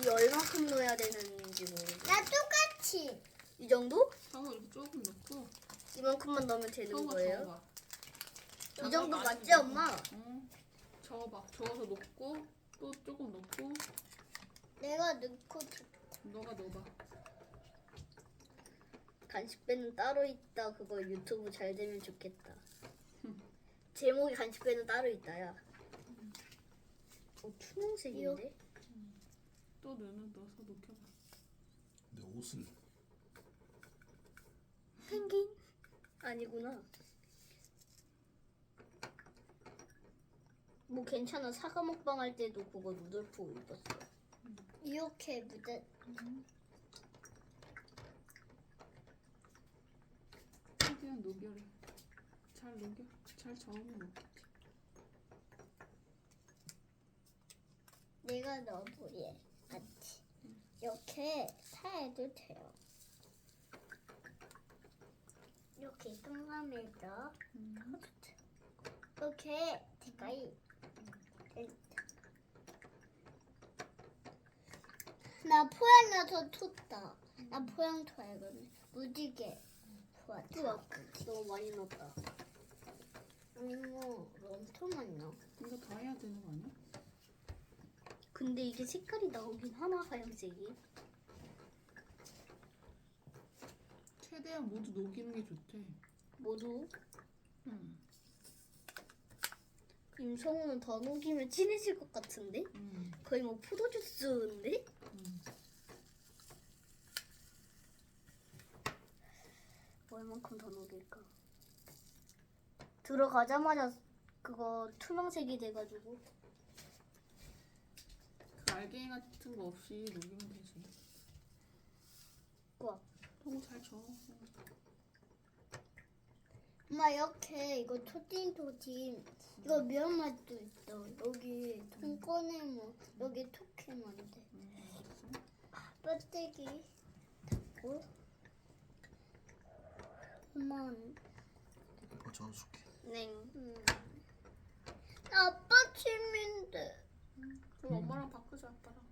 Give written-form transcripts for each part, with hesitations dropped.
이 얼마큼 넣어야 되는지 모르겠어. 나 똑같이. 이 정도? 성우 이렇게 조금 넣고. 이만큼만 넣으면 되는 성우가 거예요? 저어봐. 이 정도 많이 맞지, 넣고. 엄마? 응. 저어봐. 저어서 넣고 또 조금 넣고. 내가 넣고 너가 넣어봐. 간식배는 따로 있다. 그거 유튜브 잘 되면 좋겠다. 제목이 간식배는 따로 있다야. 투명색인데? 또 넣어서 녹여봐. 내 옷을 펭귄? 아니구나. 뭐 괜찮아. 사과 먹방 할 때도 그거 누들프 입었어. 이렇게 묻어. 최대한 녹여래. 잘 녹여. 잘 저으면 녹겠지. 내가 넣어보게. 맞지? 이렇게 사해도 돼요. 이렇게 동그라미에다 이렇게 가까이. 나 포양나서 텄다. 나 포양 토해거든. 무지개 좋았다. 우와, 너무 많이 넣었다. 아니 뭐 엄청 많이 넣어. 이거 다 해야 되는 거 아니야? 근데 이게 색깔이 나오긴 하나, 하얀색이. 최대한 모두 녹이는 게 좋대. 모두. 응. 임성우는 더 녹이면 진해질 것 같은데? 응. 거의 뭐 포도주스인데? 응. 얼만큼 더 녹일까? 들어가자마자 그거 투명색이 돼가지고. 그 알갱이 같은 거 없이 녹이면 되지. 우와. 너무 잘 저어. 엄마 이렇게 이거 토딩 이거 면맛도 있어. 여기 통꺼내면 여기 톡해면 돼. 뼈대기 닫고 그만. 저어줄게. 네. 아빠 침인데. 그럼 엄마랑 바꾸자 아빠랑.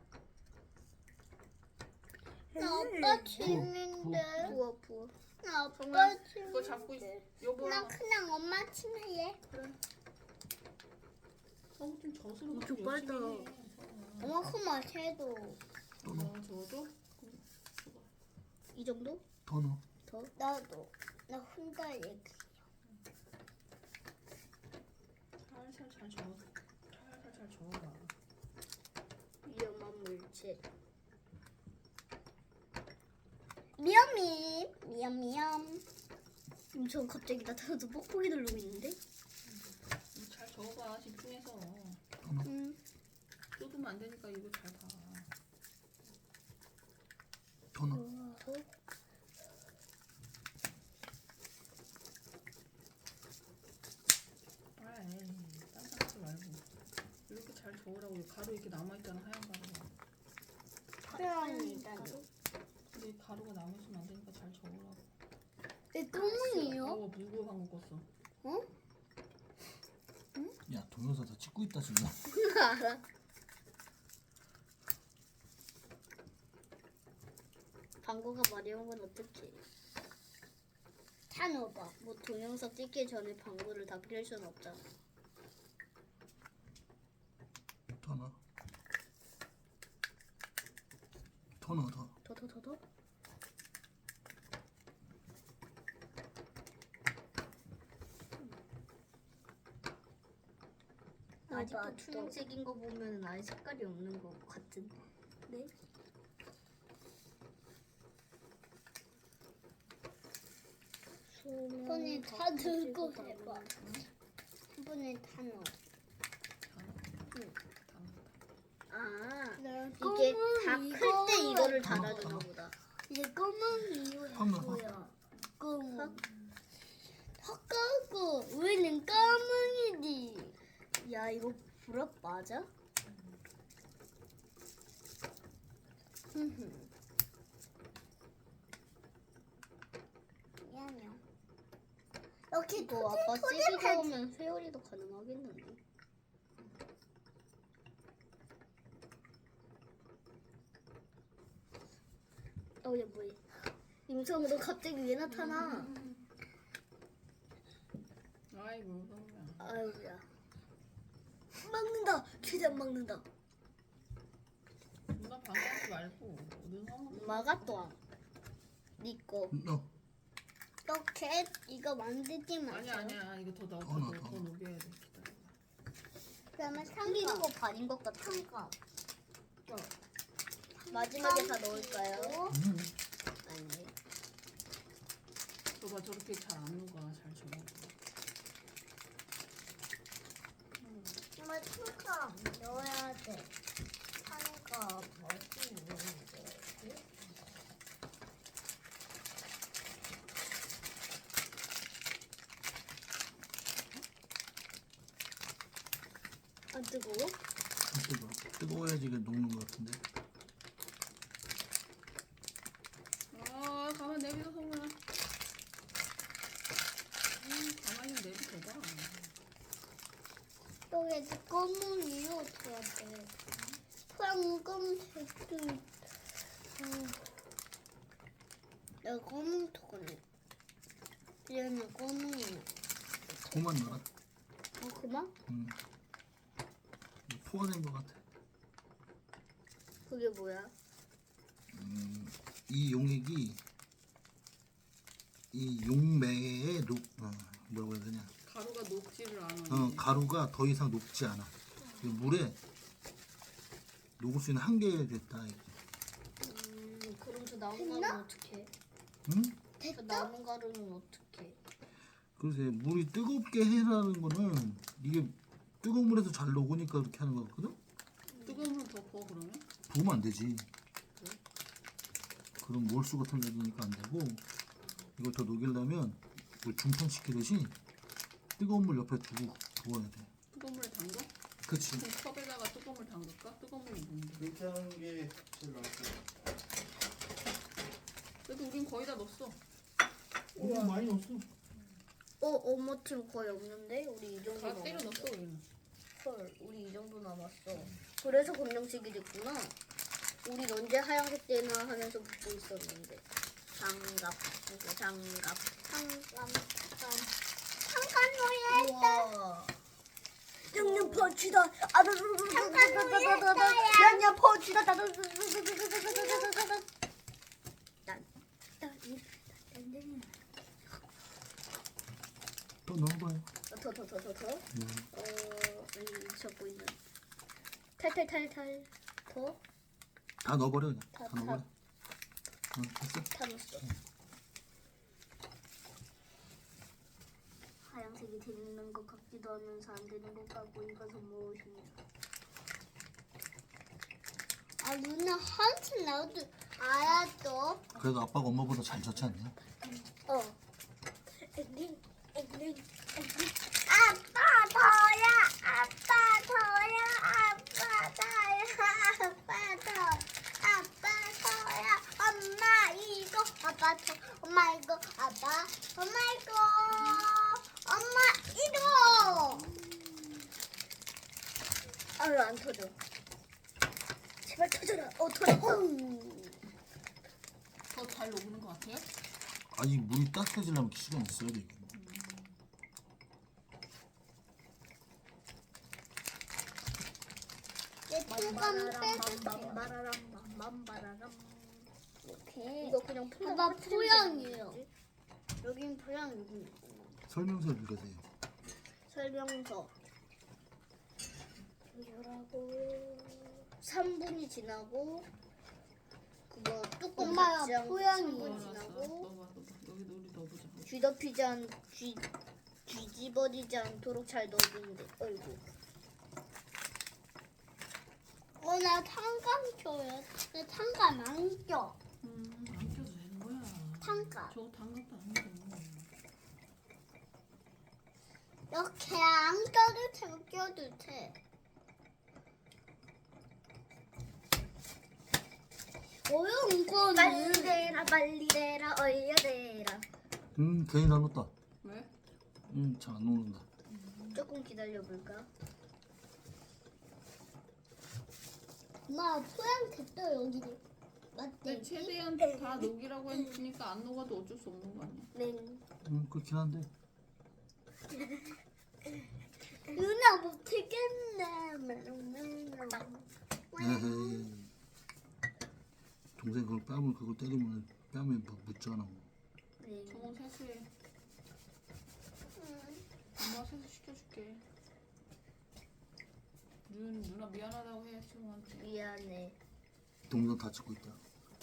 나 아빠 침인데. 부어, 부어. 나 아빠 그거 잡고 있어. 침인데. 여보랑. 나 그냥 엄마 침 할래. 그래. 성우 좀 젖으로 엄청 좀 빨다. 열심히 해. 엄마 그만 해도. 또 넣어. 저어줘? 그럼 줘봐. 이 정도? 더 넣어. 더? 나도. 나 혼자 얘기. 살살 잘 저어. 살살 잘 저어봐. 위험한 물질. 미엄이 미엄. 임성 갑자기 나타나서 뽁뽁이 누르고 있는데? 잘 저어봐 집중해서. 더 넣어. 쏟으면 안 되니까 이거 잘 봐. 더 넣어. 더? 아이 딴딴하지 말고 이렇게 잘 저으라고. 가루 이렇게 남아있잖아 하얀 가루가. 표현이다. 근데 가루가 남아있으면 안 되니까 잘 저으라고. 내 똥문이요? 무고한 거 껐어. 어? 야 동영상 다 찍고 있다 지금. 알아. 방구가 마려운 건 어떡해. 다 넣어봐. 뭐 동영상 찍기 전에 방구를 다 필 수는 없잖아. 더 넣어. 더 넣어 더. 더? 아직도 맞아. 투명색인 거 보면 아예 색깔이 없는 거 같은데? 네? 한 번에 다 넣고 해봐. 한 번에 다 넣어. 아, 나 이게 다 클 때 이거를 다 넣어, 달아주나 다 넣어. 보다. 이제 검은 이유 한 번, 했고요. 검은. 헛가고 우리는 검은이지. 야, 이거 불합 맞아? 미안해요. 이렇게 이거 아빠 세게 잡으면 회오리도 가능하겠는데? 아우야 뭐해? 임성우 너 갑자기 왜 나타나? 아이고 성우야. 아우야. 막는다. 최대한 막는다. 누나 방해하지 말고 어디 성우. 막았다. 니꺼. 너 이렇게 이거 만들지 마세요. 아니야 아니야 이거 더 넣어 더 넣어, 더 더 넣어. 녹여야 돼. 기다려. 그러면 흘리는 삼각. 거 반인 것 같아. 삼각. 마지막에 다 넣을까요? 아니. 저봐 저렇게 잘 안 녹아 잘 저어. 정말 삼각 넣어야 돼. 삼각 어디 있는데? 안 뜨거워? 뜨거워야지 이게 녹는 것 같은데. 아 가만 내비둬 성우야. 가만히 내비둬봐. 여기 검은 위로 둬야 돼. 황금색도 내가 검은 토거네. 얘는 검은이야. 그만 넣어라. 그만? 포화된 것 같아. 그게 뭐야? 이 용액이 이 용매에 뭐라고 해야 되냐? 가루가 녹지를 않아. 가루가 더 이상 녹지 않아. 이 물에 녹을 수 있는 한계 됐다. 이게. 그럼 저 남은 됐나? 가루는 어떻게? 응? 저 남은 가루는 어떻게? 그래서 물이 뜨겁게 해라는 거는 이게 뜨거운 물에서 잘 녹으니까 그렇게 하는 거거든. 뜨거운 물 더 부어 그러면? 부으면 안 되지. 그럼 몰수 같은 게 되니까 안 되고, 이걸 더 녹이려면 물 중탕시키듯이 뜨거운 물 옆에 두고 부어야 돼. 뜨거운 물에 담가? 그치. 그럼 컵에다가 뜨거운 물 담글까? 뜨거운 물이 뭔데? 그렇게 하는 게 제일 낫지. 그래도 우린 거의 다 넣었어. 너무 많이 넣었어. 엄마 팀 거의 없는데? 우리 이 정도 다 때려 남았어. 넣었어 우리는. 헐, 우리 이 정도 남았어. 그래서 검정색이 됐구나. 우리 언제 하얀색 되나 하면서 붙고 있었는데. 장갑, 이거 장갑. 잠깐 넣어야 했다. 우와. 양념 펀치다. 양념 펀치다. 또 넣어봐요. 더. 아니 적고 있는. 탈탈탈탈. 더. 다 넣어버려 그냥. 다, 다 넣어버려. 됐어. 다 넣었어. 하얀색이 되는 것 같기도 하면서 안 되는 것 같고 이것은 무엇이냐? 아 누나 한참 나도 알았어. 그래도 아빠가 엄마보다 잘 졌지 않냐? 아빠 더야. 아빠 더야. 아빠 더야. 아빠 더. 아빠 더야. 엄마 이거. 아빠 더. 엄마 이거. 아빠. 엄마 이거. 엄마 이거. 아유 안 터져. 제발 터져라. 터졌어. 더 잘 녹는 것 같아요? 아니 물이 따뜻해지려면 시간이 있어야 돼. 이게. 내 뚜껑 빼줄게요. 맘바라람. 이렇게. 이거 그냥 풀 봐봐, 포양이에요. 여긴 포양 여기 설명서 읽으세요. 설명서. 이거라고 3분이 지나고 그거 뚜껑 엄마야, 닫지 않고 포양이. 3분 알았어. 지나고 넣어봐. 여기 우리 넣어보자. 쥐덮이지 않 뒤집어지지 않도록 잘 넣어주면 돼. 어이구. 나 탄감 껴요. 내 탄감 안 껴. 안 껴도 되는 거야. 탄감. 저거 담갔다 안 돼. 이렇게 안 껴도 되고 껴도 돼. 어려운 거는 빨리 대라 빨리 대라 얼려대라. 괜히 다 넣었다. 왜? 잘 안 녹는다. 조금 기다려볼까? 엄마 포양 됐어 여기. 근데 막대기. 최대한 다 녹이라고 했으니까 안 녹아도 어쩔 수 없는 거 아니야? 네. 그렇긴 한데. 누나 못하겠네. 에헤이. 동생 그걸 뺨을 그걸 때리면 뺨에 묻잖아. 네. 정원 세수해. 엄마 세수 시켜줄게. 누나 미안하다고 해 정원한테. 미안해. 동생 다 찍고 있다.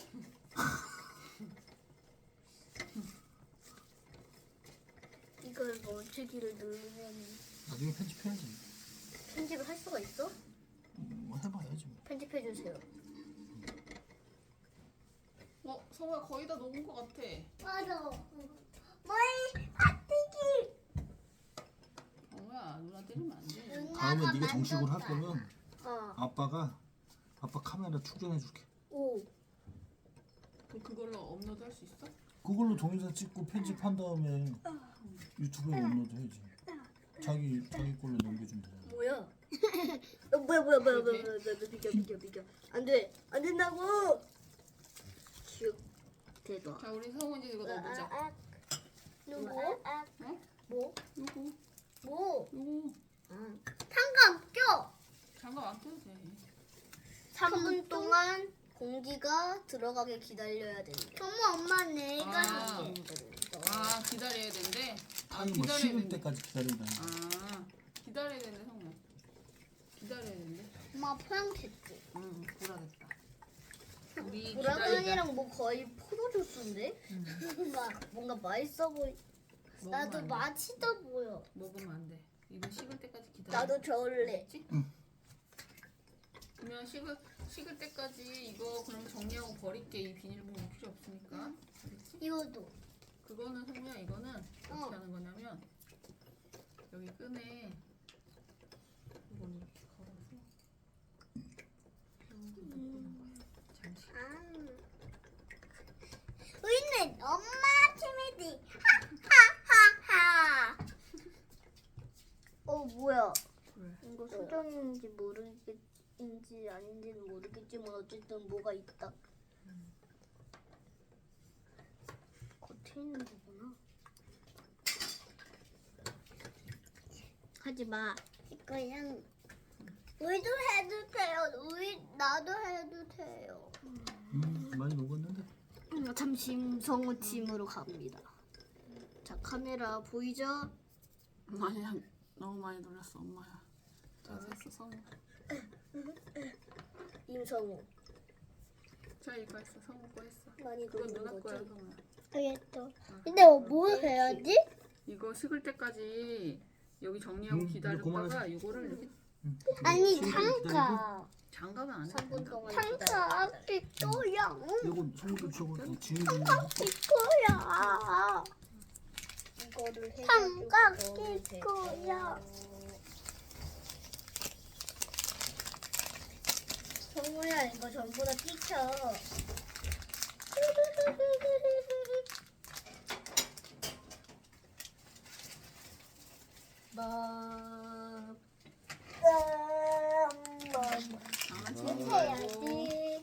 이걸 멈추기를 누르면 나중에 편집해야지. 편집을 할 수가 있어? 해봐야지. 뭐. 편집해 주세요. 성우야 거의 다 녹은 거 같아. 맞아. 뭐이 막대기. 성우야 누나 때리면 안 돼. 다음에 네가 정식으로 할 거면 어. 아빠 카메라 충전해 줄게. 오. 그럼 그걸로 업로드 할 수 있어? 그걸로 동영상 찍고 편집한 다음에 유튜브에 업로드 해야지. 자기 걸로 넘겨주면 되잖아. 뭐야? 뭐야 비켜. 안 돼. 안 된다고. 슉. 대박. 자 우리 성우 이제 이거 넣어보자. 누구? 응? 뭐? 요거 뭐? 요거 응. 상관 껴. 장갑 안 껴도 돼. 3분 동안 공기가 들어가게 기다려야 된대. 정말 엄마 내가 아. 할게. 아 기다려야 된대. 아니 뭐 기다려야 식을 된대. 때까지 기다린다. 아 기다려야 된대 성우. 기다려야 된대. 엄마 포양됐지. 응 보라 됐다. 우리 보라색이랑 뭐 거의 포도주스인데? 엄마 뭔가 맛있어 보이. 나도 맛있어 보여. 먹으면 안 돼. 이거 식을 때까지 기다려. 나도 저을래. 알겠지? 그러면 식을 때까지 이거 그럼 정리하고 버릴게. 이 비닐봉지 필요 없으니까. 알겠지? 이거도. 그거는 성우야 이거는 어떻게 하는 거냐면 여기 끈에 이걸 이렇게 걸어서 잠시 아. 우리는 엄마 팀이지. 하하하하. 뭐야? 왜? 이거 수정인지 모르겠인지 아닌지는 모르겠지만 어쨌든 뭐가 있다. 겉에 있는 거구나. 하지 마. 그냥 우리도 해도 돼요. 나도 해도 돼요. 많이 녹았는데. 잠시 성우 팀으로 갑니다. 자 카메라 보이죠? 아니야 너무 많이 놀랐어 엄마야. 자 됐어 성우. 임성우 자 이거 했어 성우 거 했어. 많이 그건 돌린 누나 거야 거지? 성우야. 알겠어. 근데 뭐 해야지? 이거 식을 때까지 여기 정리하고 이제 기다렸다가 그만하자. 이거를 이렇게 아니 식을 때 기다리고, 잠깐. 장갑은 안 해. 3분 동안 잠깐 이거야. 이거 손도 저거 지금 이거야. 이거를 해가지고 삼각 넣으면 될 이거야. 성우야 이거 전부 다 비켜. 장난치지 해야지.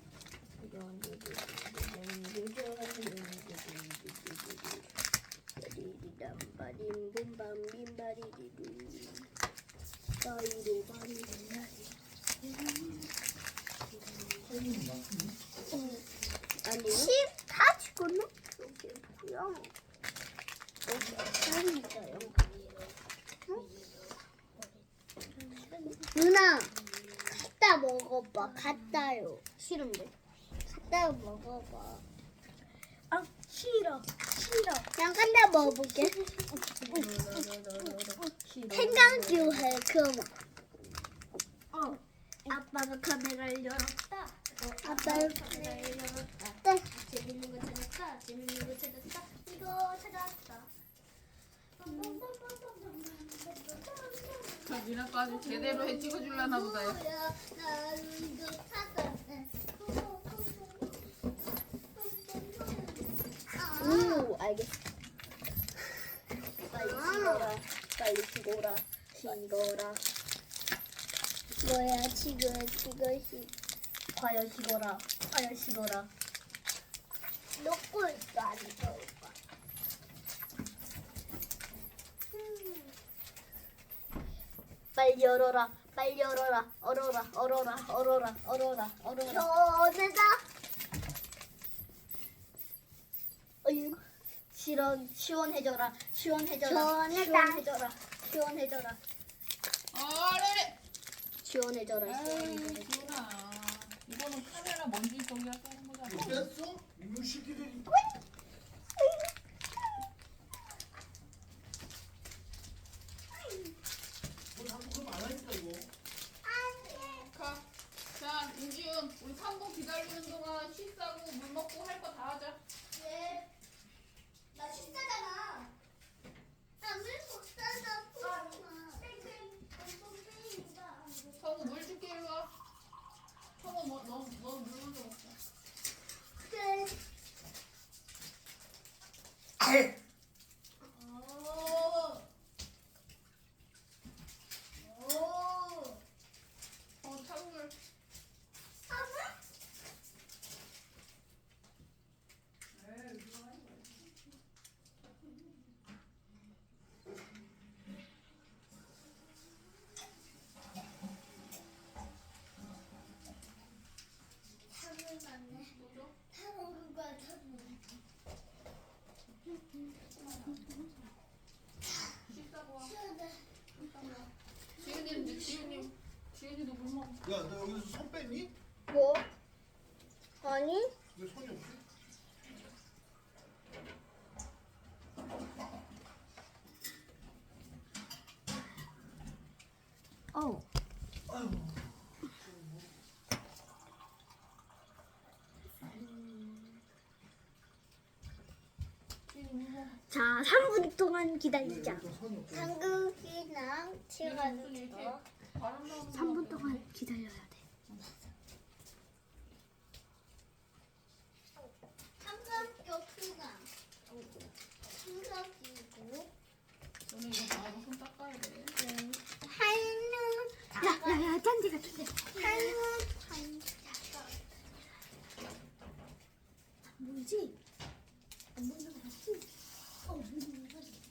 아니 다 죽었나? 뭐야? 누나 갖다 먹어봐. 갖다요. 싫은데? 갖다 먹어봐. 아 싫어. 난 갖다 먹어볼게. 생강주 해 그럼. 아빠가 카메라를 열었다. 아빠를 카메라를 열었다. 네. 재밌는 거 찾았다. 재밌는 거 찾았다. 이거 찾았다. 자 니네 거 아주 제대로 해 찍어줄라나 보다요. 나 이거 찾았네. 오 알겠어. 빨리 찍어라. 빨리 찍어라. 찍어라. 뭐야 지금 이것이 과연 식어라. 과연 식어라. 넣고 있어 안 넣을까? 빨리 열어라. 빨리 열어라. 얼어라. 얼어라. 얼어라. 얼어라. 얼어라. 전에다 어휴. 시원해져라. 시원해져라. 시원하다. 시원해져라. 시원해져라. 아래. 시원해져라. 에이 시원해져라. 지훈아. 이거는 카메라 먼지 저기 할때 하는 거잖아. 뺐어? 이놈 새끼들이. 뭐 자꾸 그러면 안 하니까 이거. 가. 자 인지훈 우리 3분 기다리는 동안 씻 싸고 물 먹고 할 거 다 하자. 네. 나 식사잖아. 성우 물 줄게 일로 와. 성우 너물 먼저 먹자. 차가운 물. 씻다고 와. 지훈이도 물 먹어. 야, 너 여기서 손 뺐니? 뭐? 아니? 왜 손이 없지? 아이고. 자, 3분 동안 왜 기다리자. 여기 또 손이 없지? 한국이랑 치가지고 이렇게 바람 나오는 3분 거 동안 기다려야 돼. 삼각교 수강 삼각이고 너네 이거 다 하고 손 닦아야 돼. 한우 야야야, 짠지가 짠지. 한우 뭐지? 안 보이는 거 같지? 보이는 거 같지?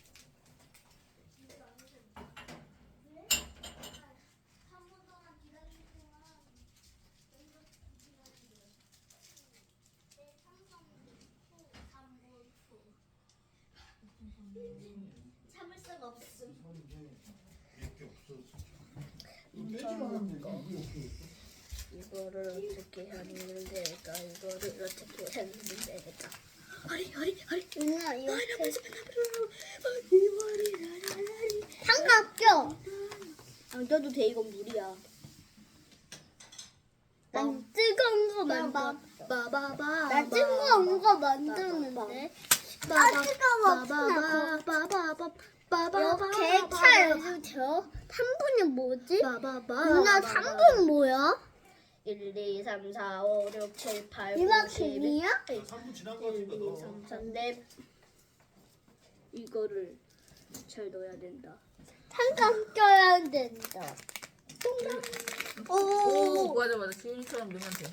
참을 수가 없음. 손이 이제 몇개 없어졌어. 이거 빼지도 않았는데 이게 어떻게 있어? 이거를 어떻게 하는 데가 이거를 어떻게 하는 데가 허리 누나 이렇게 머리 삼각교 안 껴도 돼. 이건 물이야. 난 뜨거운 거 만들 빠바바 난 뜨거운 거 만드는데 아 뜨거워 이렇게 차야죠 저 3분이 뭐지? 누나 3분 뭐야? 1, 2, 3, 4, 5, 6, 7, 8, 9, 이만 10, 캔이야? 3분 지난 거 1, 같은데 2, 너. 3, 4, 4 이거를 잘 넣어야 된다. 삼각 껴야 된다 오 맞아. 지훈이처럼 넣으면 돼.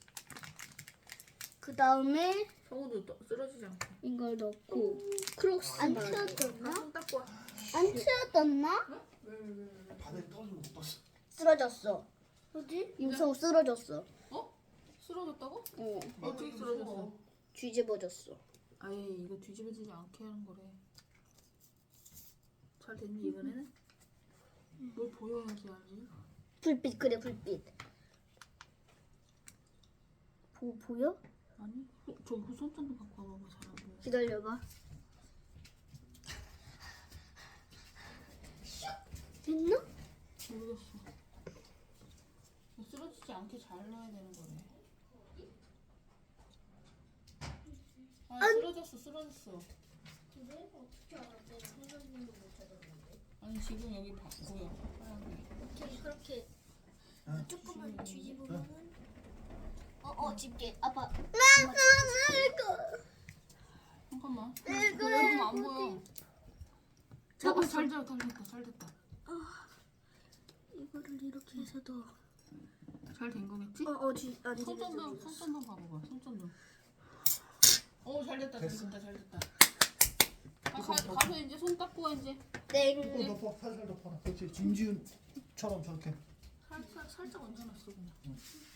그 다음에 성우도 쓰러지지 않고. 이걸 넣고 크록스 안 말고 튀어졌나? 손 닦고 와. 안 튀어졌나? 바닥에 떨어지고 못 봤어. 쓰러졌어. 어디? 임성우 쓰러졌어. 어? 쓰러졌다고? 어, 어떻게 쓰러졌어? 뒤집어졌어. 아예 이거 뒤집어지지 않게 하는 거래. 잘 됐니 이번에는? 뭘 보여야지 알지? 불빛 그래 불빛. 보여? 아니 저기 손전등 갖고 와봐봐. 잘 안 보여. 기다려봐. 됐나? 모르겠어. 쓰러지지 않게 잘 넣어야 되는 거래. 아 쓰러졌어. 아니 지금 여기 보여. 하얀 그렇게 아, 조금만 게. 뒤집으면은 집게 아빠. 잠깐만. 이거 안 보여. 잡았어. 잘 됐다. 이거를 이렇게 해서 넣어. 잘 된 거겠지? 안 손전등 봐봐봐. 손전등. 됐다 잘 됐다. 가서 이제 손 닦고 와 이제. 이거 덮어 살살 덮어라. 그렇지. 진지훈처럼 저렇게. 살짝 얹어놨어 그냥.